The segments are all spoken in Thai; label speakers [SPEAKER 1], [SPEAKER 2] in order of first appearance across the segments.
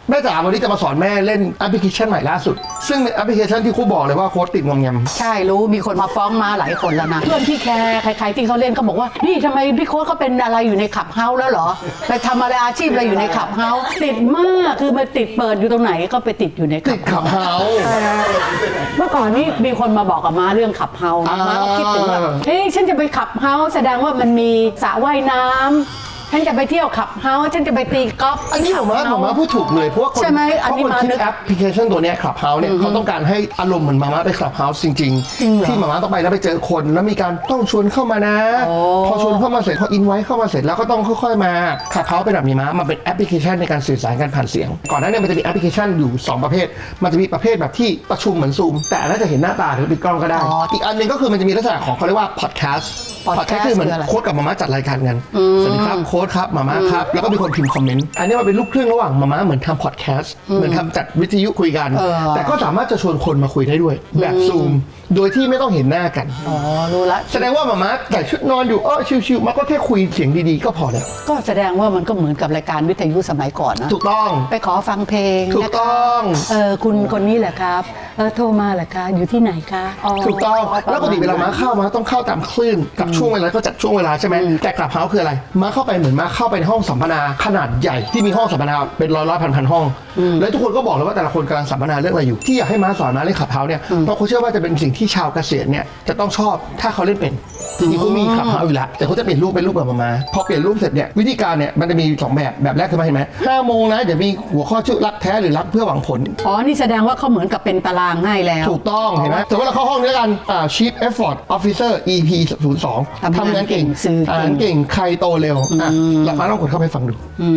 [SPEAKER 1] แม่จ๋าวันนี้จะมาสอนแม่เล่นแอปพลิเคชันใหม่ล่าสุดซึ่งเป็นแอปพลิเคชันที่ครูบอกเลยว่าโค้ดติดงอมแงม
[SPEAKER 2] ใช่รู้มีคนมาฟ้องมาหลายคนแล้วนะเพื่อนพี่แคร์ใครๆที่เขาเล่นเขาบอกว่านี่ทำไมพี่โค้ดเขาเป็นอะไรอยู่ในขับเฮาส์แล้วเหรอไปทำอะไรอาชีพอะไรอยู่ในขับเฮาส์ติดมากคือมันติดเปิดอยู่ตรงไหนก็ไปติดอยู่ใน
[SPEAKER 1] ขับเฮาส์
[SPEAKER 2] เมื่อก่อนนี้มีคนมาบอกกับม้าเรื่องขับเฮาส์ม้าก็คิดถึงว่าเฮ้ยฉันจะไปขับเฮาส์แสดงว่ามันมีสระว่ายน้ำฉันจะไปเที่ยวขับเฮาส์ฉันจะไปตีกอล์ฟ
[SPEAKER 1] อันนี้ผมว่าพูดถูกเลยเพราะว่าคนคิดแอปพลิเคชันตัวนี้ขับเฮาส์เนี่ยเขาต้องการให้อารมณ์เหมือนมาไปขับเฮาส์จริงๆที่มาต้องไปแล้วไปเจอคนแล้วมีการต้องชวนเข้ามานะพอชวนเข้ามาเสร็จพออินไว้เข้ามาเสร็จแล้วก็ต้องค่อยๆมาขับเฮาส์เป็นแบบนี้มาเป็นแอปพลิเคชันในการสื่อสารกันผ่านเสียงก่อนหน้านี้มันจะมีแอปพลิเคชันอยู่2ประเภทมันจะมีประเภทแบบที่ประชุมเหมือนซูมแต่น่าจะเห็นหน้าตาหรือปิดกล้องก็ได้อีกอันนึงก็คือมันจะมีลักษณะของเขาเรียกว่าพอดแคสต์คือเหมือนโค้ดกับมาม่าจัดรายการกันสวัสดีครับโค้ดครับมาม่าครับแล้วก็มีคนพิมพ์คอมเมนต์อันนี้มันเป็นลูกครึ่งระหว่างมาม่าเหมือนทำพอดแคสต์เหมือนทำจัดวิทยุคุยกันแต่ก็สามารถจะชวนคนมาคุยได้ด้วยแบบซูมโดยที่ไม่ต้องเห็นหน้ากัน
[SPEAKER 2] อ๋อรู้ละ
[SPEAKER 1] แสดงว่ามาม่าใส่ชุดนอนอยู่ชิวๆมันก็แค่คุยเสียงดีๆก็พอแล้ว
[SPEAKER 2] ก็แสดงว่ามันก็เหมือนกับรายการวิทยุสมัยก่อนนะ
[SPEAKER 1] ถูกต้อง
[SPEAKER 2] ไปขอฟังเพลง
[SPEAKER 1] ถูกต้อง
[SPEAKER 2] คุณคนนี้แหละครับโทรมาแหละคะอยู่ที่ไหนคะ
[SPEAKER 1] ถูกต้องแล้วปกติเวลามาเข้ามาต้องเข้าตามคลื่นกับช่วงเวลาก็จัดช่วงเวลาใช่ไหมแต่กลับเฮาคืออะไรมาเข้าไปเหมือนมาเข้าไปในห้องสัมมนาขนาดใหญ่ที่มีห้องสัมมนาเป็นร้อยพันห้องแล้วทุกคนก็บอกเลยว่าแต่ละคนกำลังสัมมนาเรื่องอะไรอยู่ที่อยากให้มาสอนมาเล่นขับเฮาเนี่ยเพราะเขาเชื่อว่าจะเป็นสิ่งที่ชาวเกษียณเนี่ยจะต้องชอบถ้าเขาเล่นเป็นจริงๆเขามีขับเฮาอยู่แล้วแต่เขาจะเปลี่ยนรูปเป็นรูปแบบมาพอเปลี่ยนรูปเสร็จเนี่ยวิธีการเนี่ยมันจะมี2แบบแรกคือมาเห็นไหม5 โมงนะเดี๋ยวมีหัวข้อชื่อรักแท้หรือรักเพื่อหวังผล
[SPEAKER 2] นี่แสดงว่าเขาเหมือนกับเป็นตารางให้แล้ว
[SPEAKER 1] ถูกต้องเห็นไหมแต่ว่าเราเข้าห้องด้วยกันChief Effort Officer EP 02ทำงานเก่งอ่านเก่งใครโตเร็วแล้วมาลองกดเข้าไปฟังดู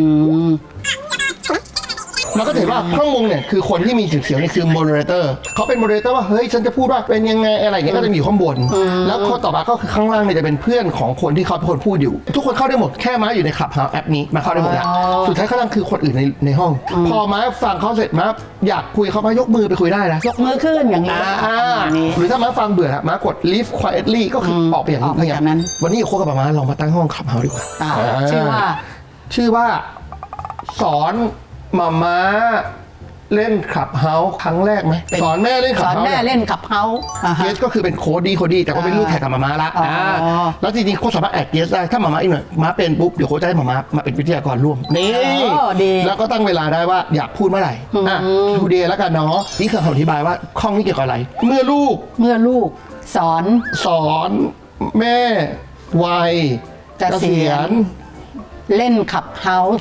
[SPEAKER 1] มันก็เห็นว่าข้างบนเนี่ยคือคนที่มีสีเขียวนี่คือ moderator เขาเป็น moderator ว่าเฮ้ยฉันจะพูดว่าเป็นยังไงอะไรอย่างเงี้ยก็จะมีอยู่ข้างบนแล้วข้อต่อมาก็คือข้างล่างเนี่ยจะเป็นเพื่อนของคนที่เขาเป็นคนพูดอยู่ทุกคนเข้าได้หมดแค่ม้าอยู่ใน Clubhouse แอปนี้มาเข้าได้หมดแล้วสุดท้ายข้างล่างคือคนอื่นในห้องพอม้าฟังเขาเสร็จม้าอยากคุยเขามายกมือไปคุยได้นะ
[SPEAKER 2] ยกมือขึ้นอย่างนี้
[SPEAKER 1] หรือถ้าม้าฟังเบื่อม้ากด leave quietly ก็คือออกไปอย่างนั้นวันนี้โค้ชกับม้าลองมาตั้งห้อง Clubhouse ดีกว่าชื่อว่าสอนม้าเล่นขับเฮาส์ครั้งแรกไหมสอนแม่เล่นขับเฮาส์
[SPEAKER 2] สอนแม่เล่นขับเฮาส์
[SPEAKER 1] เกสก็คือเป็นโค้ดแต่ก็เป็นลูกแข่งกับมาละแล้วจริงๆโค้ชสามารถแอดเกสได้ถ้ามาอีกหน่อยมาเป็นปุ๊บเดี๋ยวโค้ชจะให้มาเป็นวิทยากรร่วมนี่แล้วก็ตั้งเวลาได้ว่าอยากพูดเมื่อไหร่ทูเดย์แล้วกันเนาะนี่คือคำอธิบายว่าข้องนี้เกี่ยวกับอะไรเมื่อลูก
[SPEAKER 2] ส
[SPEAKER 1] อนแม่วัยเกษียณ
[SPEAKER 2] เล่นขับเฮาส์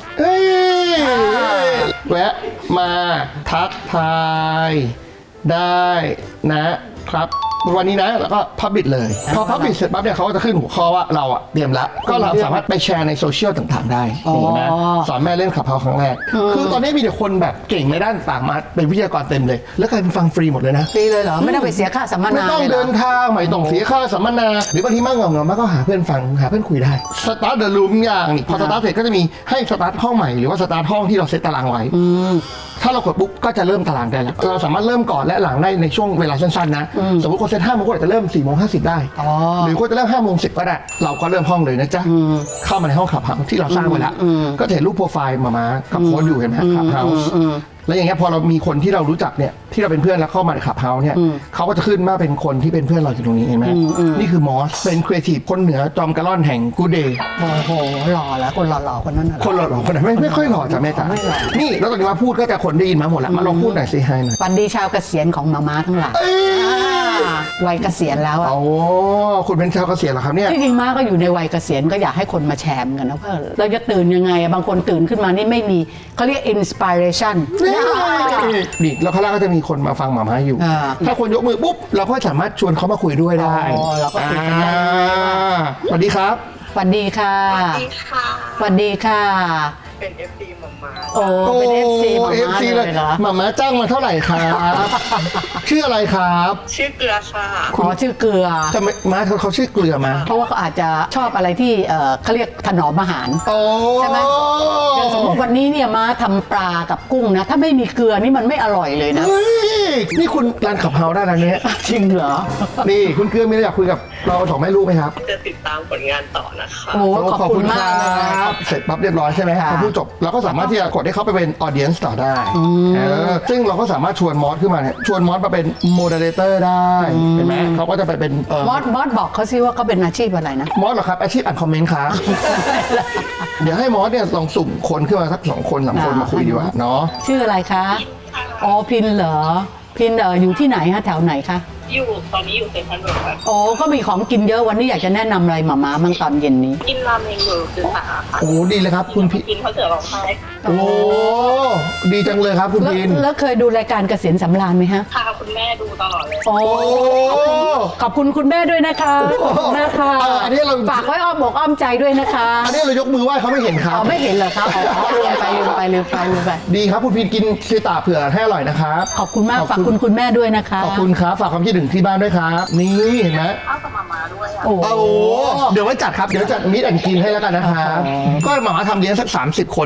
[SPEAKER 1] แวะมาทักทายได้นะครับวันนี้นะแล้วก็พับบิทเลยพอพับบิทเสร็จปั๊บเนี่ยเขาก็จะขึ้นหัวข้อว่าเราเตรียมแล้วก็เราสามารถไปแชร์ในโซเชียลต่างๆได้นะสอนแม่เล่นขับเฮาส์ครั้งแรกคือตอนนี้มีแต่คนแบบเก่งในด้านต่างมาเป็นวิทยากรเต็มเลยแล้วกลายเป็นฟังฟรีหมดเลยนะ
[SPEAKER 2] ฟรีเลยเหรอไม่ต้องไปเสียค่าสัมมนา
[SPEAKER 1] ไม่ต้องเดินทางไม่ต้องเสียค่าสัมมนาหรือบางทีมั่งเงาก็หาเพื่อนฟังหาเพื่อนคุยได้สตาร์ทเดอะรูมอย่างนี่พอสตาร์ทเสร็จก็จะมีให้สตาร์ทห้องใหม่หรือว่าสตาร์ทห้องที่เราเซตตารางไว้ถ้าเรากดปุ๊บก็จะเริ่มตารางได้แล้วเราสามารถเริ่มก่อนและหลังได้ในช่วงเวลาสั้นๆนะสมมติคนเซต5 โมงก็อาจจะเริ่ม4 โมง 50ได้หรือคนจะเริ่ม5 โมง 10ก็ได้เราก็เริ่มห้องเลยนะจ๊ะเข้ามาในห้องขับเฮาส์ที่เราสร้างไว้แล้วก็จะเห็นรูปโปรไฟล์มากับโค้ดอยู่เห็นไหมขับเฮาส์แล้วอย่างเงี้ยพอเรามีคนที่เรารู้จักเนี่ยที่เราเป็นเพื่อนแล้วเข้ามาในขับเฮาส์เนี่ยเขาก็จะขึ้นมาเป็นคนที่เป็นเพื่อนเราอยู่ตรงนี้เห็นไหมนี่คือมอสเป็นครีเอทีฟคนเหนือจอมกระล่อนแห่งกูเดย์
[SPEAKER 2] โอ้โหหล่อแล้วคนหล่อคนนั้น
[SPEAKER 1] คนหล่อคนนั้นไม่ค่อยหล่อจ้ะแม่จ๋านี่แล้วตอนนี้มาพูดก็จะคนได้ยินมาหมดแล้วมาลองพูดหน่อยสิให้หน่อย
[SPEAKER 2] วันดีชาวเกษียณของมาม่าทั้งหลายวัยเกษียณแล้ว
[SPEAKER 1] โอ้คุณเป็นชาวเกษียณเหรอครับเนี่ย
[SPEAKER 2] ที่จริงมาก็อยู่ในวัยเกษียณก็อยากให้คนมาแชร์กันนะว่าเราจะตื่นยังไงบางคนตื่นขึ้นมานี่ไม่มีเขาเรียก inspiration
[SPEAKER 1] นี่แล้วข้างล่างก็จะมีคนมาฟังหมาม้าอยู่ถ้าคนยกมือปุ๊บเราก็สามารถชวนเขามาคุยด้วยได้
[SPEAKER 2] เราก็คุยกันได้
[SPEAKER 1] สวัสดีครับ
[SPEAKER 2] สวัสดีค่ะสวัสดีค่ะ
[SPEAKER 3] เป็น FC หม่าม้า
[SPEAKER 2] โอ้เป็น FC หม่าม้า
[SPEAKER 1] เลยหม่าม้าจ้างมาเท่าไหร่ครับชื่ออะไรครับ
[SPEAKER 3] ชื่อเกลือค่ะ
[SPEAKER 2] ชื่อเกลือ
[SPEAKER 1] จะม้าเขาชื่อเกลือมา
[SPEAKER 2] เพราะว่าเขาอาจจะชอบอะไรที่เขาเรียกถนอมอาหารใช่ไหมอย่างสมมติวันนี้เนี่ยม้าทำปลากับกุ้งนะถ้าไม่มีเกลือนี่มันไม่อร่อยเลยนะ
[SPEAKER 1] นี่คุณการขับเฮาได้แล้วเนี่ย
[SPEAKER 2] จริงเหรอ
[SPEAKER 1] นี่คุณเกลือมีอะไรอยากคุยกับเราสองแม่ลูกไหมครับ
[SPEAKER 3] จะติดตามผลงานต่อนะคะ
[SPEAKER 2] โอ้ขอบคุณมากเลย
[SPEAKER 1] ครับเสร็จปั๊บเรียบร้อยใช่ไหม
[SPEAKER 2] ค่ะ
[SPEAKER 1] พอพูดจบเราก็สามารถที่จะกดให้เขาไปเป็นออเดียนส์ต่อได้ซึ่งเราก็สามารถชวนมอสขึ้นมาเนี่ยชวนมอสมาเป็นโมเดเลเตอร์ได้เห็นไหมเขาก็จะไปเป็น
[SPEAKER 2] มอสบอกเขาซิว่าเขาเป็นอาชีพอะไรนะ
[SPEAKER 1] มอสเหรอครับอาชีพอ่านคอมเมนต์ครับ เดี๋ยวให้มอสเนี่ยลองสุ่มคนขึ้นมาสัก2 คน3 คนมาคุยดีกว่าเนาะ
[SPEAKER 2] ชื่ออะไรคะอ๋อพินเหรอพินอยู่ที่ไหนฮะแถวไหนคะ
[SPEAKER 3] ตอนนี้อยู่เซ็นทรัลเวิลด์ครับ
[SPEAKER 2] โอ้ก็มีของกินเยอะวันนี้อยากจะแนะนำอะไรหมาบ้างตอนเย็นนี้
[SPEAKER 3] กินราเมงอยู่คือสาค่ะ
[SPEAKER 1] โอ้ดีเลยครับคุณพี่
[SPEAKER 3] กินข้าวเสือร้องไห้
[SPEAKER 1] โอ้ดีจังเลยครับคุณ
[SPEAKER 2] แล้ว
[SPEAKER 1] พิน
[SPEAKER 2] แล้วเคยดูรายการเกษียณสำราญไหมฮะ
[SPEAKER 3] พาคุณแม่ดูตลอดเลย
[SPEAKER 2] โอ้ขอบคุณคุณแม่ด้วยนะคะขอบคุณมากค่ะ
[SPEAKER 1] อันนี้เรา
[SPEAKER 2] ฝากไว้อ้อมอกอ้อมใจด้วยนะคะ
[SPEAKER 1] อันนี้เรายกมือไหว้เขาไม่เห็นครับ
[SPEAKER 2] อ๋อไม่เห็นเหรอครับอ๋อลืมไป
[SPEAKER 1] ดีครับคุณพินกินชีตาเผื่อให้อร่อยนะครับ
[SPEAKER 2] ขอบคุณมากฝากคุณแม่ด้วยนะคะ
[SPEAKER 1] ขอบคุณครับฝากความคิดถึงที่บ้านด้วยครับนี่เห็นไหม
[SPEAKER 3] ข้าวกับมาด้วยอ่ะ
[SPEAKER 2] โอ้
[SPEAKER 1] โอ้โหเดี๋ยวไว้จัดครับเดี๋ยวจัดมิตรแอนกินให้แล้วกันนะครับก็หมาทำเลี้ยงสัก30 คน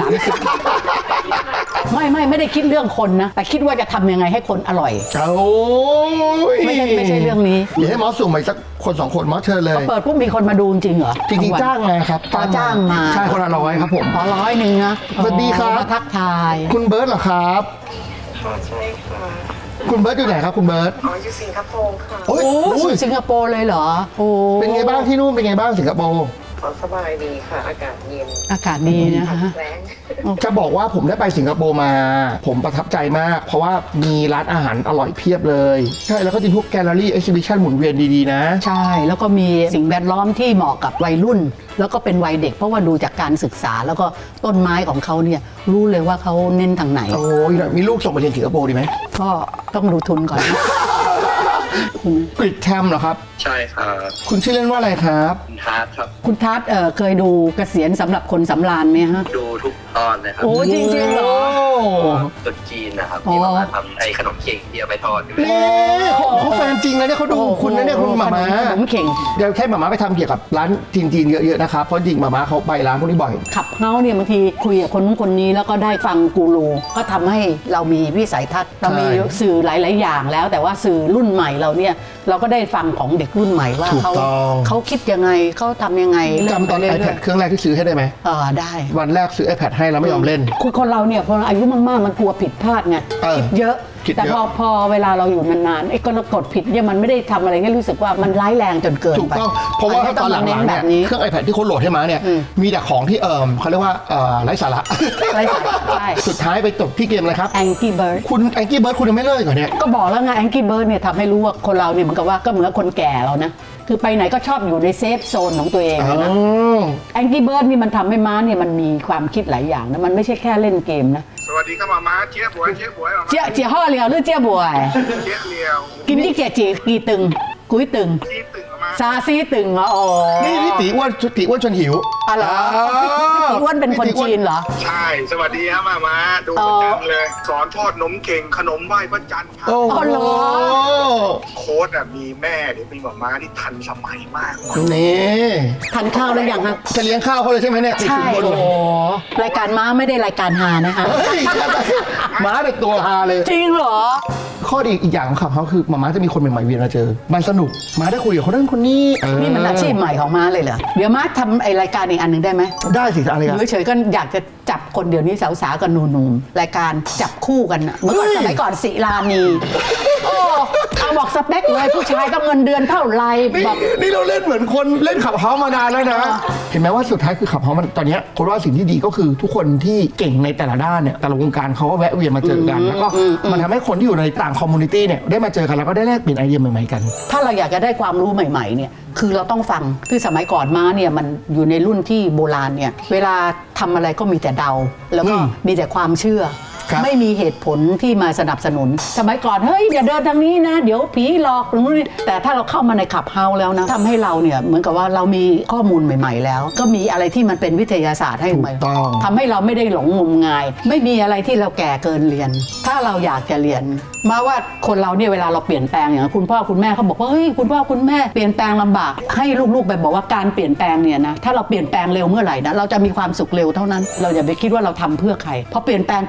[SPEAKER 2] ไม่ได้คิดเรื่องคนนะ แต่คิดว่าจะทำยังไงให้คนอร่อย
[SPEAKER 1] โอ้ย
[SPEAKER 2] ไม่ใช่เรื่องนี้
[SPEAKER 1] เดี๋ยวให้มอสสุ่มไปสักคน2 คนมอสเชิญเลย
[SPEAKER 2] เปิดปุ๊บมีคนมาดูจริงเหรอ
[SPEAKER 1] จริงๆจ้างไงครับ
[SPEAKER 2] จ้างมา
[SPEAKER 1] ใช่คนละ100ครับผม
[SPEAKER 2] ขอ100นะ
[SPEAKER 1] สวัสดีครับ
[SPEAKER 2] มาทักทาย
[SPEAKER 1] คุณเบิร์ตเหรอครับ
[SPEAKER 3] ค่ะใช่ค่ะ
[SPEAKER 1] คุณเบิร์ตอยู่ไหนครับคุณเบิร์ต
[SPEAKER 3] อ๋ออยู่สิงคโปร์ค่ะ
[SPEAKER 1] โอ้ย
[SPEAKER 2] โอ้
[SPEAKER 1] โอ้
[SPEAKER 2] สู่
[SPEAKER 1] ย
[SPEAKER 2] สิงคโปร์เลยเหรอโอ้
[SPEAKER 1] เป็นไงบ้างที่นู่นเป็นไงบ้างสิงคโปร์
[SPEAKER 3] สบายดีค่ะ อากาศเย็น
[SPEAKER 2] อากาศดีนะคะ
[SPEAKER 3] แรง
[SPEAKER 1] จะบอกว่าผมได้ไปสิงคโปร์มา ผมประทับใจมาก เพราะว่ามีร้านอาหารอร่อยเพียบเลย ใช่แล้วก็จะพวกแกลเลอรี่เอ็กซิบิชันหมุนเวียนดีๆนะ
[SPEAKER 2] ใช่แล้วก็มีสิ่งแวดล้อมที่เหมาะกับวัยรุ่น แล้วก็เป็นวัยเด็ก เพราะว่าดูจากการศึกษาแล้วก็ต้นไม้ของเขาเนี่ยรู้เลยว่าเขาเน้นทางไหน
[SPEAKER 1] โอ้ยมีลูกส่งไปเรียนสิงคโปร์ดีไหม
[SPEAKER 2] ก็ต้องดูทุนก่อนนะ
[SPEAKER 1] กริดแทมเหรอครับ
[SPEAKER 3] ใช่ค่ะ
[SPEAKER 1] คุณชื่อเล่นว่าอะไรครับ
[SPEAKER 3] คุณทาร์ตครับ
[SPEAKER 2] คุณทัศน์เคยดูเกษียณสำหรับคนสำราญไหมฮะ
[SPEAKER 3] ดูทุกตอนเลยครับ
[SPEAKER 2] โอ้จริงๆเหรอ
[SPEAKER 3] ตุ๊ดจีนนะครับ
[SPEAKER 2] อ๋อ
[SPEAKER 3] ที่มาทำไอ้ขนมเค้กที่เอาไปทอดอยู่
[SPEAKER 1] นี่เขาแฟนจริงนะเนี่ยเขาดูคุณนะเนี่ยคุณหมาม้า
[SPEAKER 2] ขนมเข่ง
[SPEAKER 1] เดี๋ยวแค่หมาม้าไปทำเกี่ยวกับร้านจีนๆเยอะๆนะครับเพราะจริงหมาม้าเขาไปร้านพวกนี้บ่อย
[SPEAKER 2] ขับเฮาเนี่ยบางทีคุยกับคนนู้นคนนี้แล้วก็ได้ฟังกูรูก็ทำให้เรามีวิสัยทัศน์เรามีสื่อหลาย ๆ อย่างแล้ว แต่ว่าสื่อรุ่นใหม่เราเนี่ยเราก็ได้ฟังของเด็กรุ่นใหม่ว่า
[SPEAKER 1] ถูกต้อง
[SPEAKER 2] เขาคิดยังไงเขาทำยังไง
[SPEAKER 1] จำตอน
[SPEAKER 2] เรื่ย
[SPEAKER 1] iPad เครื่องแรกที่ซื้อให้ได้ไหม
[SPEAKER 2] ได้
[SPEAKER 1] วันแรกซื้อ iPad ให้แล้วไม่ยอมเล่น
[SPEAKER 2] คือคนเราเนี่ยพออายุมากๆมันกลัวผิดพลาดไง
[SPEAKER 1] คิ
[SPEAKER 2] คิดเยอะ
[SPEAKER 1] คิดเยอะ
[SPEAKER 2] แต่พอเวลาเราอยู่นานๆไอ้กดผิดเนี่ยมันไม่ได้ทำอะไรให้รู้สึกว่ามันร้ายแรงจนเกินไป
[SPEAKER 1] ถูกต้อง เพราะว่า
[SPEAKER 2] ไม่
[SPEAKER 1] ตอนหลัง
[SPEAKER 2] เน้น
[SPEAKER 1] ๆ
[SPEAKER 2] แบ
[SPEAKER 1] เนี่ย
[SPEAKER 2] บนี้
[SPEAKER 1] เครื่อง iPad ที่เขาโหลดให้มาเนี่ย มีแต่ของที่เขาเรียกว่าไร้สาระ
[SPEAKER 2] ไร้สาระใช่
[SPEAKER 1] สุดท้ายไปจบที่เกมอะไรครับ
[SPEAKER 2] Angry Bird
[SPEAKER 1] คุณแองกี้เบิร์ดคุณยังไม่เลิกเหรอเนี่ย
[SPEAKER 2] ก็บอกแล้วไง Angry Bird เนี่ยทำให้รู้ว่าคนเราเนี่ยเหมือนกับว่าก็เหมือนคนแก่เรานะคือไปไหนก็ชอบอยู่ในเซฟโซนของตัวเองนะ Angry Bird นี่มันทำให้ม้าเนี่ยมันมีความคิดหลายอย่างนะมันไม่ใช่แค่เล่นเกมนะ
[SPEAKER 4] สวัสดีครับหมาม้าเจี๊ยบวยเจี๊ยบวยหมาม้า
[SPEAKER 2] เจี๊ยห่อเหลียวหรือเจี๊ยบวย
[SPEAKER 4] เจี๊ยบเลียว
[SPEAKER 2] กินที่เจี๊ยจีกี่ตึงกุ้ยตึง
[SPEAKER 4] ที่ตึงหมาม้า
[SPEAKER 2] ซาซีตึงเหรออ๋อ
[SPEAKER 1] นี่พี่ตีอ้วนชวนหิว
[SPEAKER 2] อ๋อเหรอพี่ตีอ้วนเป็นคนจีนเหรอ
[SPEAKER 4] ใช่ สวัสดีครับหมาม้าดูประจำเลย สอนทอดนมเข่งขนมไหว้พระจันทร์ครับ
[SPEAKER 1] โอ้โห
[SPEAKER 2] อ๋อเหรอ
[SPEAKER 4] โค้ดมีแม่หรือมีหมาม้าที่ทันสมัยมาก
[SPEAKER 1] นี่
[SPEAKER 2] ทานข้าวแล้วยังฮะ
[SPEAKER 1] จะเลี้ยงข้าวเขาเลยใช่ไหมเนี่ยติด
[SPEAKER 2] ใช่
[SPEAKER 1] สินบน
[SPEAKER 2] โอ้
[SPEAKER 1] เลย
[SPEAKER 2] โหรายการม้าไม่ได้รายการฮานะคะ
[SPEAKER 1] เฮ้ยม้าแต่ตัวฮาเลย
[SPEAKER 2] จริงเหรอ
[SPEAKER 1] ข้อดีอีกอย่างของเขาคือมาม้าจะมีคนใหม่ๆเวียนมาเจอ มันสนุกม้าได้คุยกับคนนั้นคนนี้
[SPEAKER 2] นี่มันอาชีพใหม่ของม้าเลยเหรอ เดี๋ยวม้าทำไอ้รายการอีกอันหนึ่งได้ไหม
[SPEAKER 1] ได้สิอะไร
[SPEAKER 2] อ
[SPEAKER 1] กัน
[SPEAKER 2] ยู่เฉยๆก็อยากจะจับคนเดี๋ยวนี้สาวๆกับหนุ่มๆรายการจับคู่กันน่ะเมื่อก่อน
[SPEAKER 1] เฮ้ย
[SPEAKER 2] สมัยก่อนศิลานีโอ้เอาบอกสเปคเลยผู้ชายต้องเงินเดือนเท่าไหร
[SPEAKER 1] นี่
[SPEAKER 2] บอก
[SPEAKER 1] นี่เราเล่นเหมือนคนเล่นขับเฮามานานแล้วนะ เห็นไหมว่าสุดท้ายคือขับเฮามันตอนเนี้ยคนว่าสิ่งที่ดีก็คือทุกคนที่เก่งในแต่ละด้านเนี่ยแต่ละวงการเขาก็แวะเวียนมาเจอกัน แล้วก็มันทำให้คนที่อยู่ในต่างคอมมูนิตี้เนี่ยได้มาเจอกันแล้วก็ได้แลกเปลี่ยนไอเดียใหม่ๆกัน
[SPEAKER 2] ถ้าเราอยากจะได้ความรู้ใหม่ๆเนี่ยคือเราต้องฟังคือสมัยก่อนม้าเนี่ยมันอยู่ในรุ่นที่โบราณเนี่ยเวลาทำอะไรก็มีแต่เดา แล้วก็มีแต่ความเชื่อ
[SPEAKER 1] ครับ
[SPEAKER 2] ไม่มีเหตุผลที่มาสนับสนุน สมัยก่อนเฮ้ยอย่าเดินทางนี้นะ เดี๋ยวผีหลอกหรือนี่แต่ถ้าเราเข้ามาในขับเฮาแล้วนะทำให้เราเนี่ยเหมือนกับว่าเรามีข้อมูลใหม่ ๆ แล้ว ก็มีอะไรที่มันเป็นวิทยาศาสตร์ให้ใหม่
[SPEAKER 1] ถูกต้อง
[SPEAKER 2] ทำให้เราไม่ได้หลงงมงาย ไม่มีอะไรที่เราแก่เกินเรียน ถ้าเราอยากจะเรียน มาว่าคนเราเนี่ยเวลาเราเปลี่ยนแปลงอย่างคุณพ่อคุณแม่เขาบอกว่าเฮ้ยคุณพ่อคุณแม่เปลี่ยนแปลงลำบากให้ลูกๆไปบอกว่าการเปลี่ยนแปลงเนี่ยนะถ้าเราเปลี่ยนแปลงเร็วเมื่อไหร่นะเราจะมีความสุขเร็วเท่านั้น เราอย่าไปคิดว่าเราทำเพื่อใครเพราะเปลี่ยนแปลงคนที่มีความ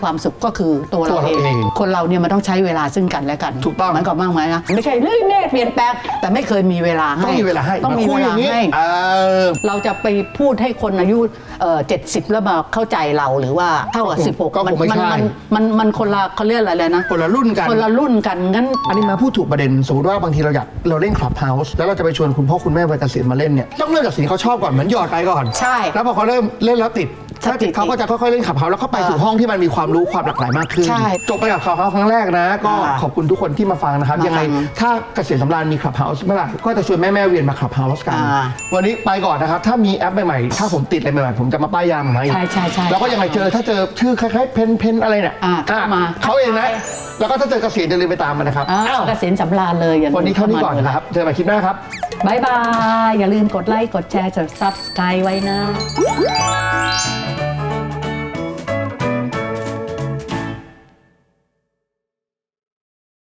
[SPEAKER 2] ความสุขก็คือตัวเรา
[SPEAKER 1] ตัวเรา
[SPEAKER 2] เอ
[SPEAKER 1] เอง
[SPEAKER 2] งคนเราเนี่ยมันต้องใช้เวลาซึ่งกันและกัน
[SPEAKER 1] ถูกต้อง
[SPEAKER 2] มันก็มากมายนะไม่ใช่เฮ้ยเนตเปลี่ยนแปลงแต่ไม่เคยมีเวลาให้
[SPEAKER 1] ต้องมีเวลาให้
[SPEAKER 2] ต้องมี
[SPEAKER 1] คุ
[SPEAKER 2] เวย
[SPEAKER 1] อ
[SPEAKER 2] ลา
[SPEAKER 1] ย่างนี้
[SPEAKER 2] ให้ เราจะไปพูดให้คนอายุ70 แล้วมาเข้าใจเราหรือว่าเท่ากับ16
[SPEAKER 1] ก็คงไม่ใช่
[SPEAKER 2] มันคนละเขาเรียกอะไรเลยนะ
[SPEAKER 1] คนละรุ่นกัน
[SPEAKER 2] คนละรุ่นกันงั้น
[SPEAKER 1] อันนี้มาพูดถูกประเด็นสมมติว่าบางทีเราเล่นคลับเฮาส์แล้วเราจะไปชวนคุณพ่อคุณแม่วัยเกษียณมาเล่นเนี่ยต้องเริ่มจากสิ่งที่เขาชอบก่อนเหมือนหยอดไปก่อน
[SPEAKER 2] ใช่
[SPEAKER 1] แล้วพอเขาเริ่มเล่นแล้วติด
[SPEAKER 2] ถ้าติด
[SPEAKER 1] เขาก็จะค่อยๆเล่นคลับเฮาส์แล้วเขาไปสู่ห้องที่มันมีความรู้ความหลากหลายมากขึ้น
[SPEAKER 2] ใช่
[SPEAKER 1] จบไปกับคลับเฮาส์ครั้งแรกนะ ก็
[SPEAKER 2] อ่า
[SPEAKER 1] ขอบคุณทุกคนที่มาฟังนะครับ
[SPEAKER 2] มาฟัง
[SPEAKER 1] ยังไงถ้าเกษียณสำราญมีคลับเฮาส์เมื่อไหร่ก็จะชวนแม่ๆเวียนมาคลับเฮาส์กัน วันนี้ไปก่อนนะครับถ้ามีแอปใหม่ๆถ้าผมติดอะไรใหม่ๆผมจะมาป้ายยามาอีก
[SPEAKER 2] ใช่ๆๆ
[SPEAKER 1] แล้วก็ยังไงถ้าเจอชื่อคล้ายๆเพนอะไรเนี่ย
[SPEAKER 2] เข้ามา
[SPEAKER 1] เขาเองนะแล้วก็ถ้าเจอเกษียณอย่าลืมไปตามมันนะครับ
[SPEAKER 2] อ้าวเกษียณสำราญเลยอย่าลืม
[SPEAKER 1] วันนี้เท่านี้ก่อนนะครับ เจอกันใหม่คลิปหน้าครับ
[SPEAKER 2] บ๊ายบาย อย่าลืมกดไลค์ กดแชร์ กด Subscribe ไว้นะ